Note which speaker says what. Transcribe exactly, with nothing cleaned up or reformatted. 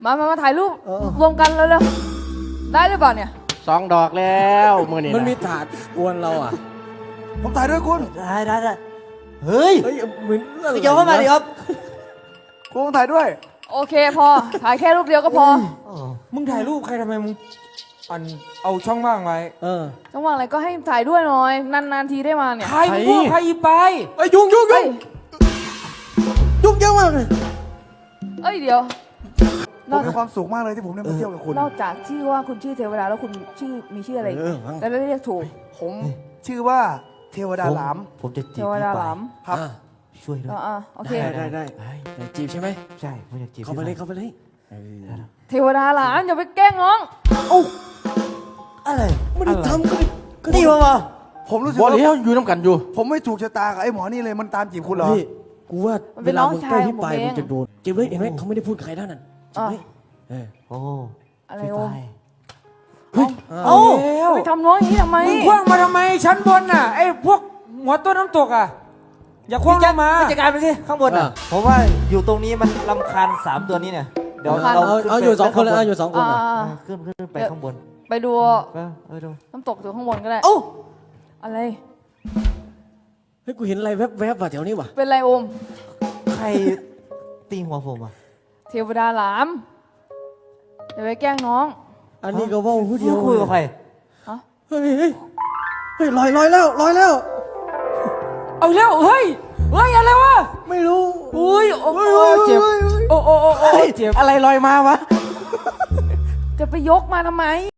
Speaker 1: มามามาถ่ายรูปรวมกันเร็วๆได้หรือเปล่าเนี่ย
Speaker 2: สองดอกแล้วมือนี่
Speaker 3: มันมีถาดอวนเราอ่ะ
Speaker 4: ผมถ่ายด้วยคุณ
Speaker 5: ได้ได้ได้เฮ้ย
Speaker 3: เฮ้ยเหมือน
Speaker 5: เกี่ยวเข้ามาดิครับ
Speaker 4: คุณถ่ายด้วย
Speaker 1: โอเคพอถ่ายแค่รูปเดียวก็พอ
Speaker 3: มึงถ่ายรูปใครทำไมมึงอันเอาช่องว่างไว้เออ
Speaker 1: ช่องว่างอะไรก็ให้ถ่ายด้วยหน่อยนานๆทีได้มาเนี่ย
Speaker 3: ใครมึงพูดใครอีไปไอ้ยุ่งยุ่งยุ่งยุ่งเยอะมากเลย
Speaker 1: เอ้ยเดี๋ยว
Speaker 4: ผมมีความสุขมากเลยที่ผมได้มาเที่ยวกับคุณ
Speaker 1: นอกจากชื่อว่าคุณชื่อเทวดาแล้วคุณชื่อมีชื่ออะไรแต่ไม่เรียกถูก
Speaker 4: ผมชื่อว่าเทวดาหลาม
Speaker 5: ผมจะจีบ
Speaker 1: เทวดาหลาม
Speaker 4: ครับ
Speaker 5: ช่วยด้วย
Speaker 1: อ่าโอเค
Speaker 3: ได้ได้ได้จีบใช่ไหม
Speaker 5: ใช่ผมอยากจีบ
Speaker 3: เข้าไปเลยเข้าไปเลย
Speaker 1: เทวดาหลามอย่าไปแกล้งน้อง
Speaker 5: โอ้อะไร
Speaker 3: ไม่ได้ทำก็
Speaker 5: นี่มามา
Speaker 4: ผมรู้สึก
Speaker 2: บอล
Speaker 4: ว่า
Speaker 2: เลี้ยวอยู่น้ำกันอยู่
Speaker 4: ผมไม่ถูกชะตากับไอ้หมอนี่เลยมันตามจีบคุณเหรอ
Speaker 3: กูว่าเวลามึงใกล้ที่ปลายมึงจะโดนจีบเลยเห็นไหมเขาไม่ได้พูดใครเท่านั้นจีบเลย
Speaker 5: โอ้
Speaker 1: อะไรโอ้
Speaker 3: เฮ้ย
Speaker 1: เอาไปทำน้องอย่างนี้ทำไม
Speaker 3: มึงคว้างมาทำไมชั้นบนน่ะไอ้พวกหัวต้นน้ำตกอ่ะอย่าคว้างลงมา
Speaker 5: จัดการไปสิข้างบนอ่ะผมว่าอยู่ตรงนี้มันรำคาญสามตัวนี้เนี่ยเดี๋ยวเรา
Speaker 3: เอาอยู่สองคนเลยเอาอยู่สองคน
Speaker 5: ขึ้นขึ้นไปข้างบน
Speaker 1: ไปดูน้ำตกอยู่ข้างบนก็ได้
Speaker 5: โอ้
Speaker 1: อะไร
Speaker 3: เฮ้ยกูเห็นอะไรแวบๆว่ะแถวนี้ว่ะ
Speaker 1: เป็นไรโอม
Speaker 5: ใครตีหัวผมอ่ะ
Speaker 1: เทวดาหลามอย่าไปแกล้งน้อง
Speaker 3: อันนี้ก็ว่าผู้เดียว
Speaker 5: คุยกับใคร
Speaker 3: เฮ้ยเฮ้ยเฮ้ยลอยลอยแล้วลอยแล้ว
Speaker 1: เอาแล้วเฮ้ยเฮ้ยอะไรวะ
Speaker 3: ไม่รู้
Speaker 1: อุ้ยโอ้
Speaker 3: เจ็บโอ้โอ้โอ้เจ็บ
Speaker 2: อะไรลอยมาวะ
Speaker 1: จะไปยกมาทำไม